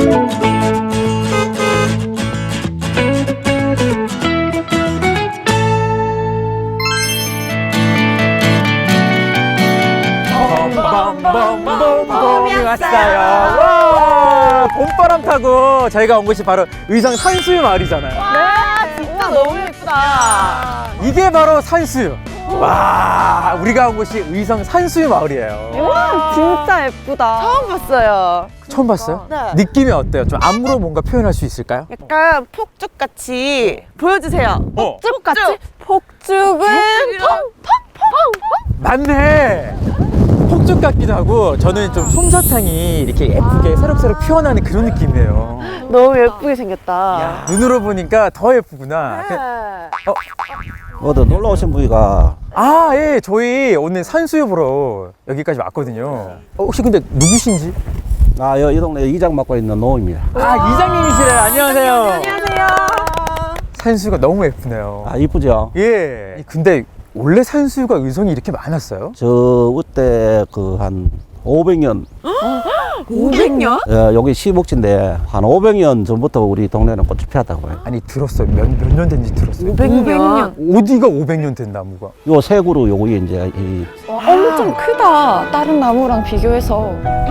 봄이 왔어요. 와, 봄바람 타고 저희가 온 곳이 바로 의성 산수유 마을이잖아요. 와, 진짜 너무 예쁘다. 이게 바로 산수유. 와, 우리가 온 곳이 의성 산수유 마을이에요. 와, 진짜 예쁘다. 처음 봤어요. 처음 봤어요? 네. 느낌이 어때요? 좀 안무로 뭔가 표현할 수 있을까요? 약간 폭죽같이 보여주세요. 어. 폭죽같이? 폭죽은 맞네. 폭죽 같기도 하고 저는 좀 솜사탕이 이렇게 예쁘게 새록새록 피어나는 그런 느낌이에요. 너무 예쁘게 생겼다. 눈으로 보니까 더 예쁘구나. 어디 놀러 오신 분이가 아, 예, 저희 오늘 산수유 보러 여기까지 왔거든요. 혹시 근데 누구신지? 이 동네 이장 맡고 있는 노입니다. 아, 이장님이시래요. 안녕하세요. 안녕하세요. 산수유가 너무 예쁘네요. 아 이쁘죠? 예. 근데 원래 산수유가 의성이 이렇게 많았어요? 저 그때 그 한 500년 500년? 여기 시목지인데 한 500년 전부터 우리 동네는 꽃이 피었다고 해요. 아니, 들었어요. 몇 년 된지 들었어요. 500년. 어디가 500년 된 나무가? 요 세 그루 요게 이제 이 엄청 크다. 다른 나무랑 비교해서.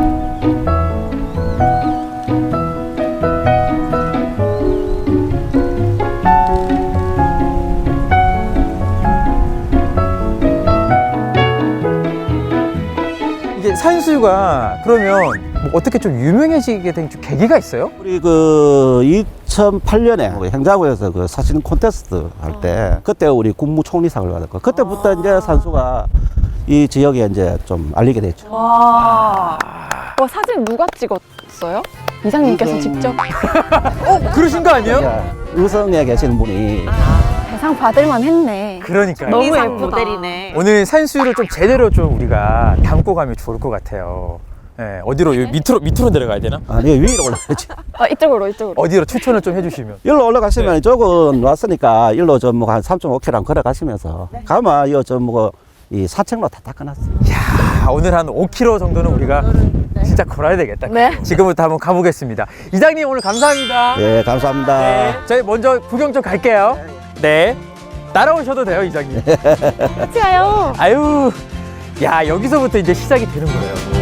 이게 산수유가 그러면 뭐 어떻게 좀 유명해지게 된 좀 계기가 있어요? 우리 그 2008년에 행자부에서 그 사진 콘테스트 할 때 그때 우리 국무총리상을 받았고 그때부터 이제 산수가 이 지역에 이제 좀 알리게 됐죠. 와. 사진 누가 찍었어요? 이장님께서 직접 그러신 거 아니에요? 이제 의성에 계시는 분이 대상 받을만 했네. 그러니까요. 너무 이상 예쁘다. 모델이네. 오늘 산수유를 좀 제대로 좀 우리가 담고 가면 좋을 것 같아요. 예, 어디로 여기 밑으로 내려가야 되나? 아니 위로 올라가지. 이쪽으로. 어디로 추천을 좀 해주시면. 일로 올라가시면 이쪽은 왔으니까 일로 좀 뭐 한 3.5km 걸어가시면서 가면 이 사책로 다 닦아놨어요. 야, 오늘 한 5km 정도는 우리가 진짜 걸어야 되겠다. 네. 지금부터 한번 가보겠습니다. 이장님 오늘 감사합니다. 예, 감사합니다. 네, 저희 먼저 구경 좀 갈게요. 네. 따라오셔도 돼요, 이장님. 같이 가요. 아유, 야, 여기서부터 이제 시작이 되는 거예요.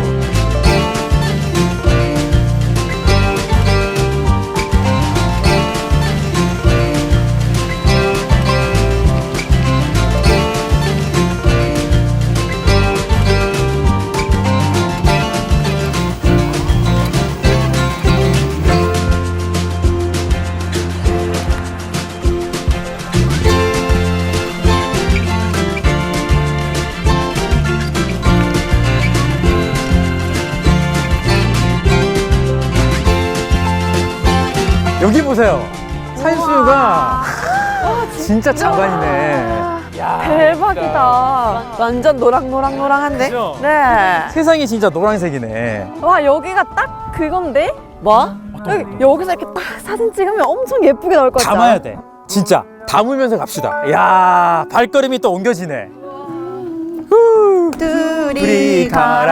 여기 보세요. 산수유가 진짜 장관이네. 야, 대박이다. 완전 노랑노랑노랑한데? 그죠? 네. 세상이 진짜 노란색이네. 와, 여기가 딱 그건데? 뭐? 여기서 이렇게 딱 사진 찍으면 엄청 예쁘게 나올 것 같아. 담아야 돼. 진짜 담으면서 갑시다. 야, 발걸음이 또 옮겨지네. 후. 둘이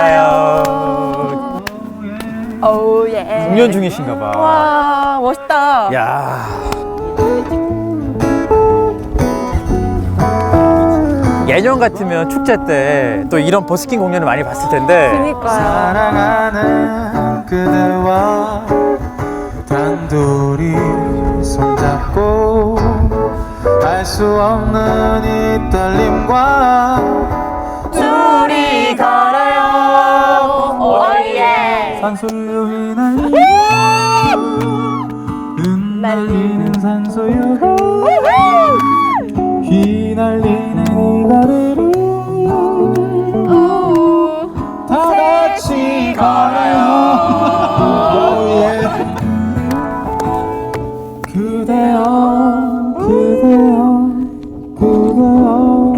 걸어요. 오, 예. 공연 중이신가 봐. 와, 멋있다. 야. 예년 같으면 축제 때 또 이런 버스킹 공연을 많이 봤을 텐데. 그니까요. 사랑하는 그대와 단둘이 손잡고 알 수 없는 이 떨림과 둘이 걸어요. 오예. 산소유 흩날리는 산소유 휘날리는 이거리를 다 같이 걸어요. 그대여 그대여 그대여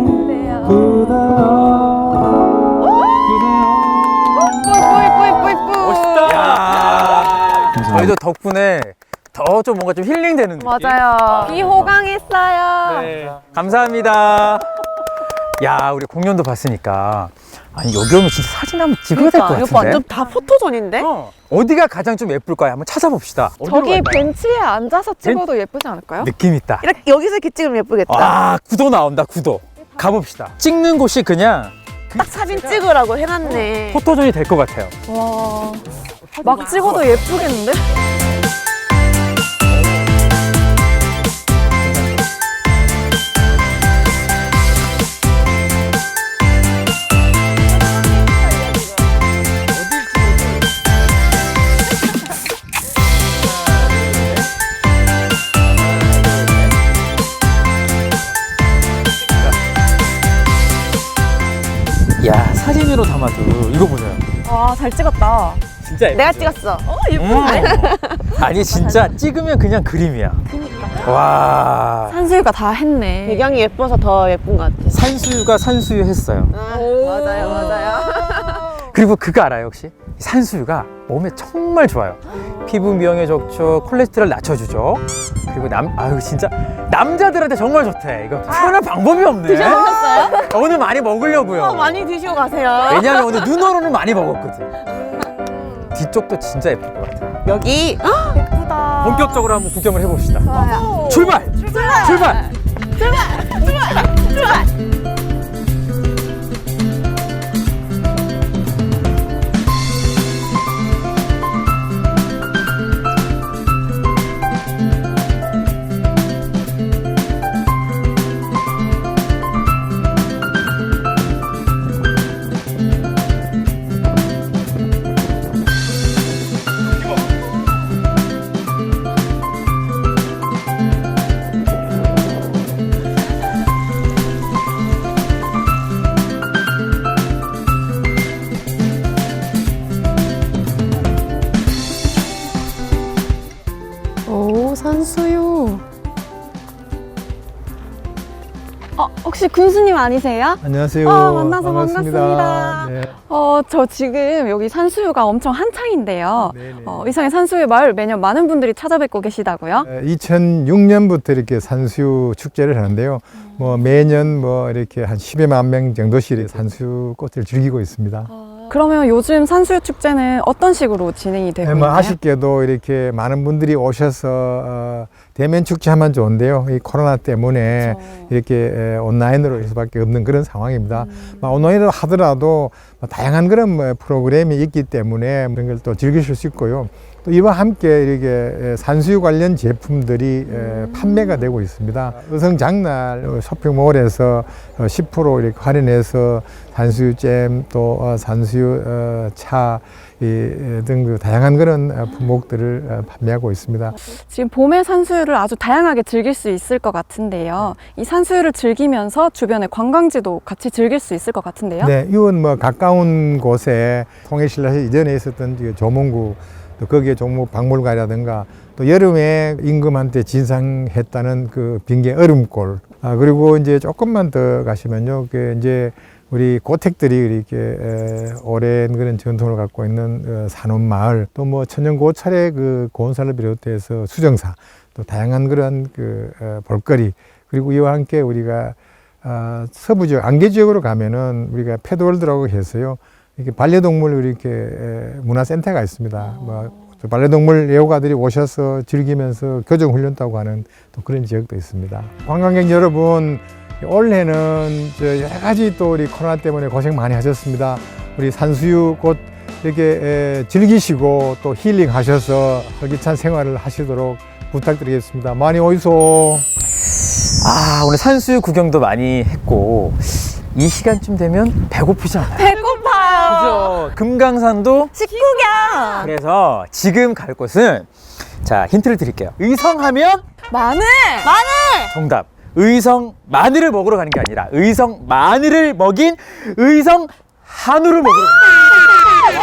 그대여 멋있다. 야. 저희도 덕분에 더 좀 뭔가 좀 힐링되는 느낌. 맞아요. 비호강했어요. 네. 감사합니다. 야, 우리 공연도 봤으니까 아니 여기 오면 진짜 사진 한번 찍어야 될 것 그러니까, 같은데. 이거 완전 다 포토존인데? 어디가 가장 좀 예쁠까요? 한번 찾아봅시다. 어디로 저기 갈까요? 벤치에 앉아서 찍어도 예쁘지 않을까요? 느낌 있다. 이렇게 여기서 이렇게 찍으면 예쁘겠다. 아, 구도 나온다, 구도. 가봅시다. 찍는 곳이 그냥 딱 사진 찍으라고 해놨네. 포토존이 될 것 같아요. 와, 막 찍어도 예쁘겠는데? 야, 사진으로 담아도 이거 보세요. 와, 잘 찍었다. 진짜 예쁘죠? 내가 찍었어. 아니 진짜 찍으면 그냥 그림이야. 와. 산수유가 다 했네. 배경이 예뻐서 더 예쁜 것 같아. 산수유가 산수유 했어요. 맞아요, 맞아요. 그리고 그거 알아요 혹시? 산수유가 몸에 정말 좋아요. 피부 미용에 좋죠. 콜레스테롤 낮춰주죠. 그리고 아유 진짜 남자들한테 정말 좋대. 이거 표현할 방법이 없네. 드셔보셨어요? 오늘 많이 먹으려고요. 많이 드시고 가세요. 왜냐면 오늘 눈으로는 많이 먹었거든. 뒤쪽도 진짜 예쁠 것 같아요. 여기 예쁘다. 본격적으로 한번 구경을 해봅시다. 출발! 출발! 오, 산수유. 혹시 군수님 아니세요? 안녕하세요. 만나서 반갑습니다. 네. 저 지금 여기 산수유가 엄청 한창인데요. 네네. 의성의 산수유 마을 매년 많은 분들이 찾아뵙고 계시다고요? 2006년부터 이렇게 산수유 축제를 하는데요. 뭐 매년 뭐 이렇게 한 10여만 명 정도씩 산수유 꽃을 즐기고 있습니다. 그러면 요즘 산수유 축제는 어떤 식으로 진행이 되고 뭐 있나요? 아쉽게도 이렇게 많은 분들이 오셔서 대면 축제하면 좋은데요. 이 코로나 때문에 이렇게 온라인으로 할 수밖에 없는 그런 상황입니다. 온라인으로 하더라도 다양한 그런 프로그램이 있기 때문에 그런 걸 또 즐기실 수 있고요. 또 이와 함께 이렇게 산수유 관련 제품들이 판매가 되고 있습니다. 의성 장날 쇼핑몰에서 10% 이렇게 할인해서 산수유잼 또 산수유 차 등 다양한 그런 품목들을 판매하고 있습니다. 지금 봄의 산수유를 아주 다양하게 즐길 수 있을 것 같은데요. 이 산수유를 즐기면서 주변의 관광지도 같이 즐길 수 있을 것 같은데요. 네, 이건 뭐 가까운 곳에 통일신라에서 이전에 있었던 조문구 또 거기에 종목 박물관이라든가 또 여름에 임금한테 진상했다는 그 빙계 얼음골 그리고 이제 조금만 더 가시면요, 그 이제 우리 고택들이 이렇게 오랜 그런 전통을 갖고 있는 산원마을 또 뭐 천연고찰의 그 고운사를 비롯해서 수정사 또 다양한 그런 그 볼거리 그리고 이와 함께 우리가 서부 지역 안개 지역으로 가면은 우리가 패드월드라고 해서요 이렇게 반려동물 이렇게 문화센터가 있습니다. 뭐 반려동물 애호가들이 오셔서 즐기면서 교정훈련도 하는 또 그런 지역도 있습니다. 관광객 여러분, 올해는 여러 가지 또 우리 코로나 때문에 고생 많이 하셨습니다. 우리 산수유 꽃 이렇게 즐기시고 또 힐링하셔서 활기찬 생활을 하시도록 부탁드리겠습니다. 많이 오이소. 오늘 산수유 구경도 많이 했고 이 시간쯤 되면 배고프지 않아요? 배고파요. 그죠? 금강산도 식구경. 그래서 지금 갈 곳은 자 힌트를 드릴게요. 의성하면 마늘! 정답. 의성 마늘을 먹으러 가는 게 아니라 의성 마늘을 먹인 의성 한우를 먹으러 가는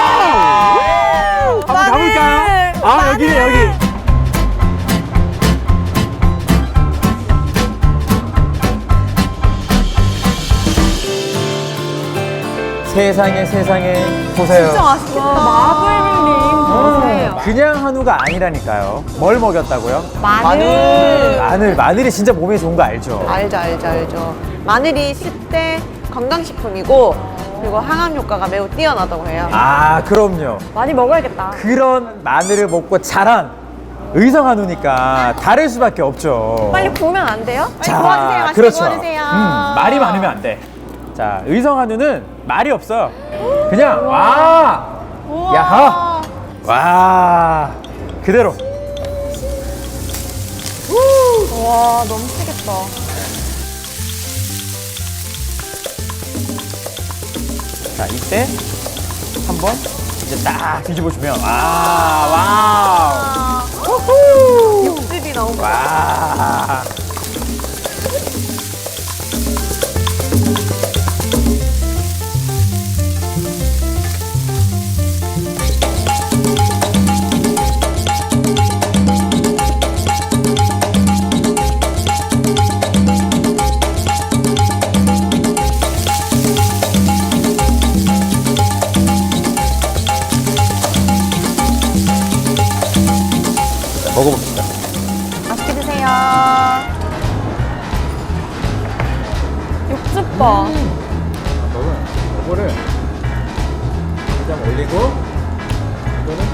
거예요. 한번 가볼까요? 여기네 여기. 세상에 보세요. 진짜 맛있겠다. 마블링 보세요. 그냥 한우가 아니라니까요. 뭘 먹였다고요? 마늘. 마늘이 진짜 몸에 좋은 거 알죠? 알죠. 마늘이 10대 건강식품이고 그리고 항암 효과가 매우 뛰어나다고 해요. 아, 그럼요. 많이 먹어야겠다. 그런 마늘을 먹고 자란 의성 한우니까 다를 수밖에 없죠. 빨리 구우면 안 돼요? 빨리 자, 구워주세요. 맛있게 그렇죠. 구워주세요. 말이 많으면 안 돼. 자, 의성 한우는 말이 없어요. 그냥 와, 야하, 와, 그대로. 와 너무 세겠다. 자, 이때 한번 이제 딱 뒤집어주면 와, 육즙이 너무 와우, 와. 먹어봅시다. 맛있게 드세요. 육즙 봐. 이거를 그냥 올리고 이거는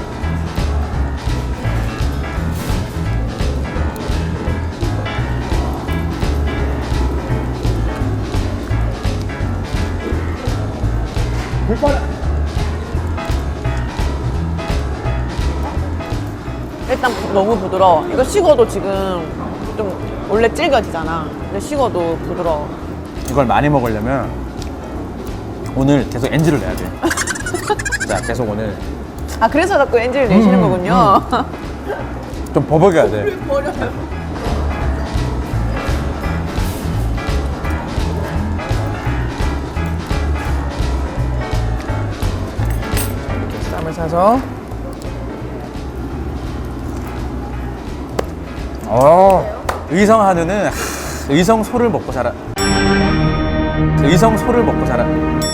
일단 너무 부드러워. 이거 식어도 지금 좀 원래 질겨지잖아. 근데 식어도 부드러워. 이걸 많이 먹으려면 오늘 계속 NG를 내야 돼. 자, 계속 오늘 아 그래서 자꾸 엔진을 내시는 거군요. 좀 버벅여야 돼. 이렇게 쌈을 싸서. 의성 한우는 의성 소를 먹고 자라. 의성 소를 먹고 자라.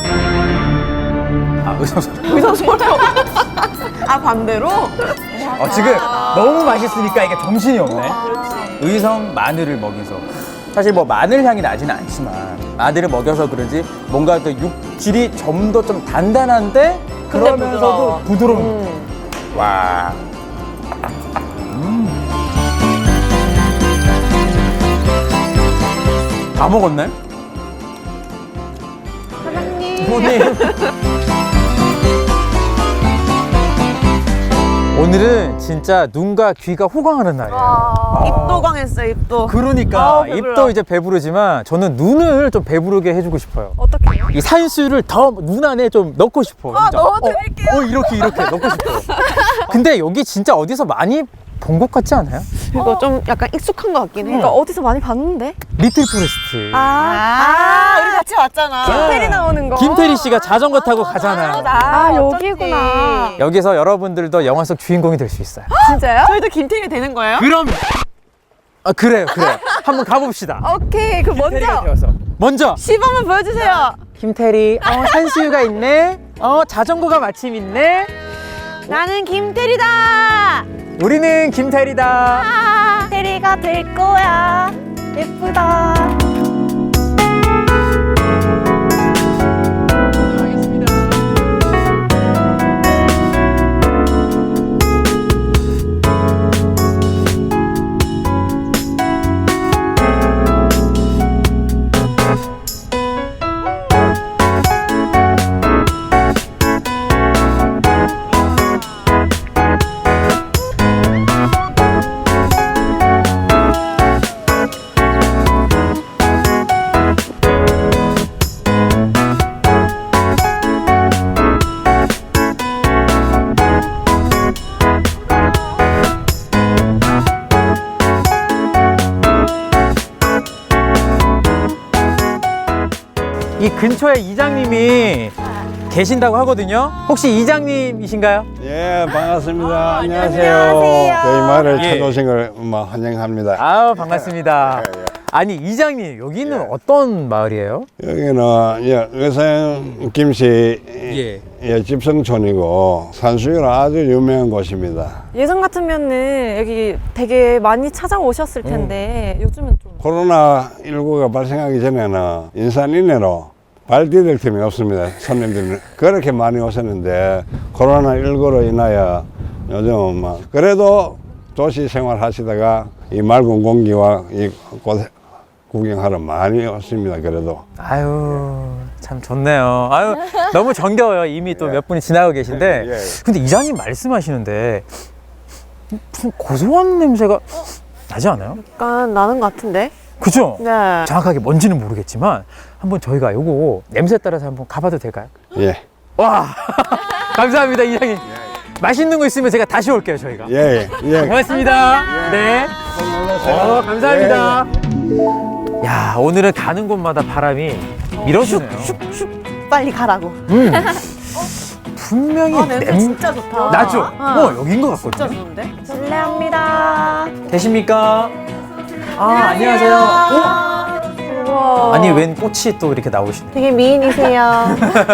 아, 의성 소. 여기서 소리. 아 반대로? 지금 너무 맛있으니까 이게 정신이 없네. 의성 마늘을 먹여서. 사실 뭐 마늘 향이 나지는 않지만 마늘을 먹여서 그런지 뭔가 그 육질이 좀 더 좀 단단한데 근데 그러면서도 부드러운. 와. 다 먹었네? 사장님. 부모님. 오늘은 진짜 눈과 귀가 호강하는 날이에요. 입도 강했어요. 입도. 그러니까 배불러. 입도 이제 배부르지만 저는 눈을 좀 배부르게 해주고 싶어요. 어떡해요? 이 산수유를 더 눈 안에 좀 넣고 싶어. 진짜. 넣어드릴게요. 이렇게 넣고 싶어. 근데 여기 진짜 어디서 많이 본 것 같지 않아요? 이거 좀 약간 익숙한 것 같긴 해. 그러니까 어디서 많이 봤는데? 리틀 포레스트. 우리 같이 왔잖아. 김태리 나오는 거. 김태리 씨가 자전거 타고 가잖아요. 아, 여기구나. 여기서 여러분들도 영화 속 주인공이 될 수 있어요. 진짜요? 저희도 김태리 되는 거예요? 그럼. 그래요. 한번 가봅시다. 오케이. 그 먼저 먼저 시범을 보여주세요. 김태리. 산수유가 있네. 자전거가 마침 있네. 나는 김태리다. 우리는 김태리다. 태리가 될 거야. 예쁘다. 이 근처에 이장님이 계신다고 하거든요. 혹시 이장님이신가요? 예, 반갑습니다. 안녕하세요. 안녕하세요. 저희 마을을 예. 찾아오신 걸 환영합니다. 아우, 반갑습니다. 아니 이장님 여기는 예. 어떤 마을이에요? 여기는 의성 김씨 집성촌이고 산수유로 아주 유명한 곳입니다. 예전 같으면은 여기 되게 많이 찾아오셨을 텐데 요즘은 좀 코로나19가 발생하기 전에는 인산인해로 발 디딜 틈이 없습니다. 손님들은 그렇게 많이 오셨는데 코로나19로 인하여 요즘은 막 그래도 도시 생활 하시다가 이 맑은 공기와 이 곳 구경하러 많이 왔습니다. 그래도 아유 참 좋네요. 아유 너무 정겨워요. 이미 또 몇 분이 지나고 계신데 예. 근데 이장님 말씀하시는데 무슨 고소한 냄새가 나지 않아요? 약간 나는 것 같은데? 그죠? 네. 정확하게 뭔지는 모르겠지만 한번 저희가 요거 냄새 따라서 한번 가봐도 될까요? 예. 와 감사합니다 이장님. 맛있는 거 있으면 제가 다시 올게요 저희가. 예. 예. 고맙습니다. 네. 감사합니다. 야 오늘은 가는 곳마다 바람이 밀어주네요. 빨리 가라고. 분명히 냄새 진짜 좋다. 나죠? 어. 여긴 것 진짜 같거든요. 좋은데? 실례합니다. 계십니까? 안녕하세요. 우와. 아니 웬 꽃이 또 이렇게 나오시네. 되게 미인이세요.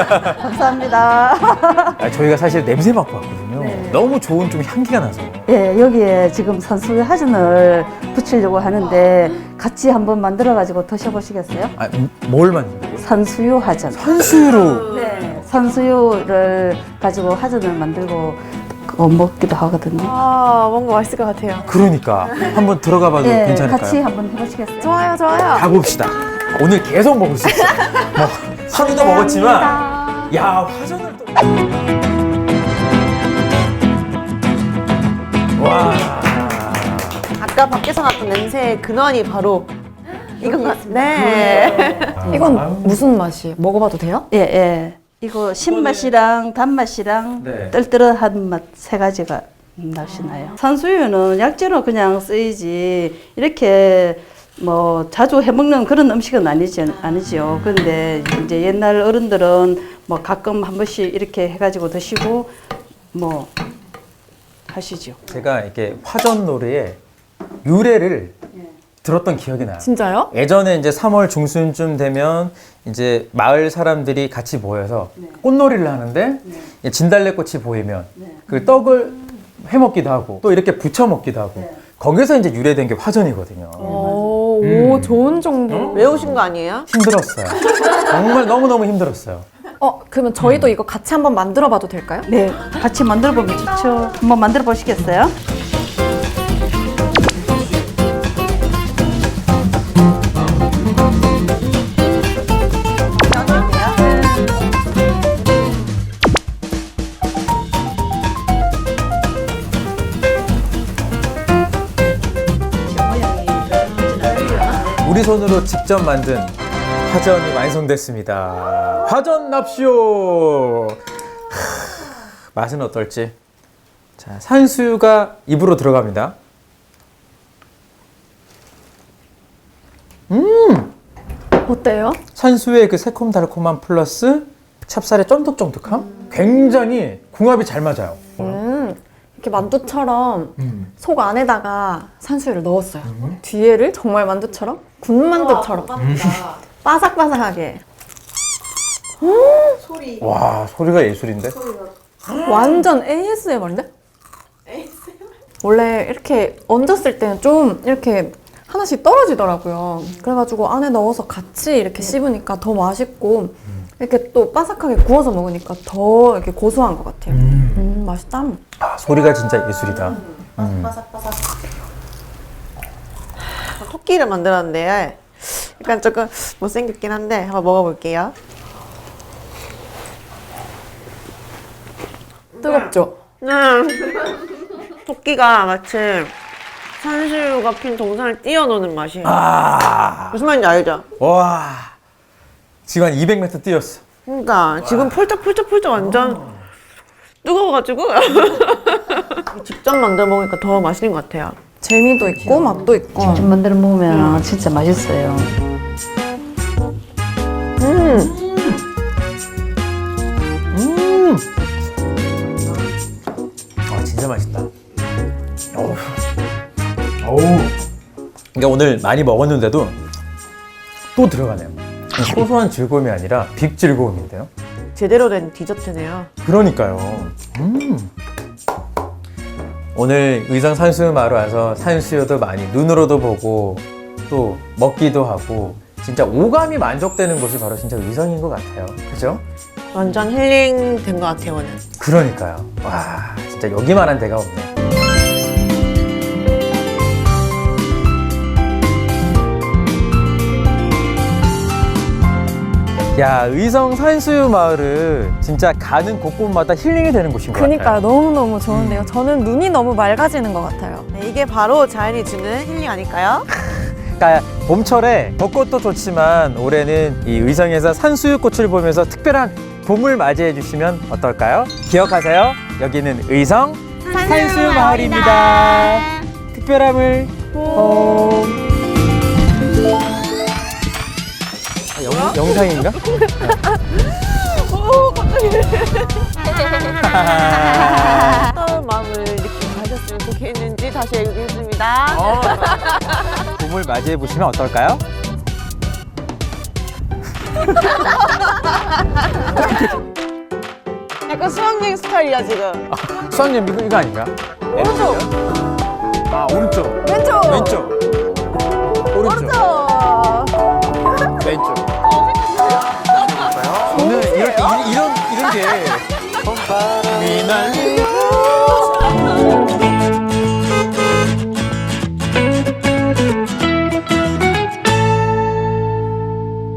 감사합니다. 저희가 사실 냄새 맡고 왔거든요. 너무 좋은 좀 향기가 나서. 예, 여기에 지금 산수유 하전을 붙이려고 하는데 같이 한번 만들어가지고 드셔보시겠어요? 뭘 만드는 산수유 하전. 산수유로. 네, 산수유를 가지고 하전을 만들고 먹기도 하거든요. 아 뭔가 맛있을 것 같아요. 그러니까 한번 들어가 봐도 예, 괜찮을까요? 같이 한번 해보시겠어요? 좋아요, 좋아요. 가봅시다. 오늘 계속 먹을 수 있어요. 뭐 하루도 먹었지만 야 화전을 또. 와. 아까 밖에서 났던 냄새의 근원이 바로 이건 것 같습니다. 네. 이건 무슨 맛이에요? 먹어봐도 돼요? 예, 예. 이거 신맛이랑 단맛이랑 네. 떨떠름한 맛 세 가지가 나시나요? 산수유는 약재로 그냥 쓰이지 이렇게 뭐 자주 해먹는 그런 음식은 아니죠. 그런데 이제 옛날 어른들은 뭐 가끔 한 번씩 이렇게 해가지고 드시고 뭐 하시죠. 제가 이렇게 화전 노래의 유래를 들었던 기억이 나요. 진짜요? 예전에 이제 3월 중순쯤 되면 이제 마을 사람들이 같이 모여서 꽃놀이를 하는데 진달래꽃이 보이면 그 떡을 해 먹기도 하고 또 이렇게 부쳐 먹기도 하고 거기서 이제 유래된 게 화전이거든요. 오, 좋은 정보. 외우신 거 아니에요? 힘들었어요. 정말 너무너무 힘들었어요. 그러면 저희도 이거 같이 한번 만들어 봐도 될까요? 네, 같이 만들어 보면 좋죠. 한번 만들어 보시겠어요? 우리 손으로 직접 만든 화전이 완성됐습니다. 화전 납시오. 맛은 어떨지. 자, 산수유가 입으로 들어갑니다. 어때요? 산수유의 그 새콤달콤함 플러스 찹쌀의 쫀득쫀득함? 굉장히 궁합이 잘 맞아요. 이렇게 만두처럼 속 안에다가 산수유를 넣었어요. 뒤에를 정말 만두처럼 군만두처럼 바삭바삭하게. 와, 소리가 예술인데? 완전 ASMR인데? 원래 이렇게 얹었을 때는 좀 이렇게 하나씩 떨어지더라고요. 그래가지고 안에 넣어서 같이 이렇게 씹으니까 더 맛있고 이렇게 또 바삭하게 구워서 먹으니까 더 이렇게 고소한 것 같아요. 맛있다. 아, 소리가 진짜 예술이다. 토끼를 만들었는데 약간 조금 못생겼긴 한데 한번 먹어볼게요. 뜨겁죠? 토끼가 마치 산수유가 핀 동산을 뛰어노는 맛이에요. 아, 무슨 말인지 알죠? 와. 지금 한 200m 뛰었어. 그러니까 지금 펄쩍 완전 뜨거워가지고 직접 만들어 먹으니까 더 맛있는 것 같아요. 재미도 있고 맛도 있고. 직접 만들어 먹으면 진짜 맛있어요. 아, 진짜 맛있다. 어우. 그러니까 오늘 많이 먹었는데도 또 들어가네요. 소소한 즐거움이 아니라 빅 즐거움인데요. 제대로 된 디저트네요. 그러니까요. 오늘 의성 산수유 마을 와서 산수유도 많이 눈으로도 보고 또 먹기도 하고 진짜 오감이 만족되는 곳이 바로 진짜 의성인 것 같아요. 그죠? 완전 힐링 된 것 같아요, 오늘. 그러니까요. 와, 진짜 여기만한 데가 없네. 야, 의성 산수유 마을은 진짜 가는 곳곳마다 힐링이 되는 곳인 것 그니까요. 같아요. 너무너무 좋은데요. 저는 눈이 너무 맑아지는 것 같아요. 네, 이게 바로 자연이 주는 힐링 아닐까요? 그러니까 봄철에 벚꽃도 좋지만 올해는 이 의성에서 산수유꽃을 보면서 특별한 봄을 맞이해 주시면 어떨까요? 기억하세요. 여기는 의성 산수유 마을입니다. 특별함을 봄. 영상인가? 어떤 마음을 느끼고 가셨으면 좋겠는지 다시 읽겠습니다. 봄을 맞이해 보시면 어떨까요? 약간 수학여행 스타일이야, 지금. 수학여행 이거 아닌가? 오른쪽. 아, 오른쪽. 왼쪽. 왼쪽. 오른쪽. 왼쪽. 오늘 이런 게 봄바람이 날리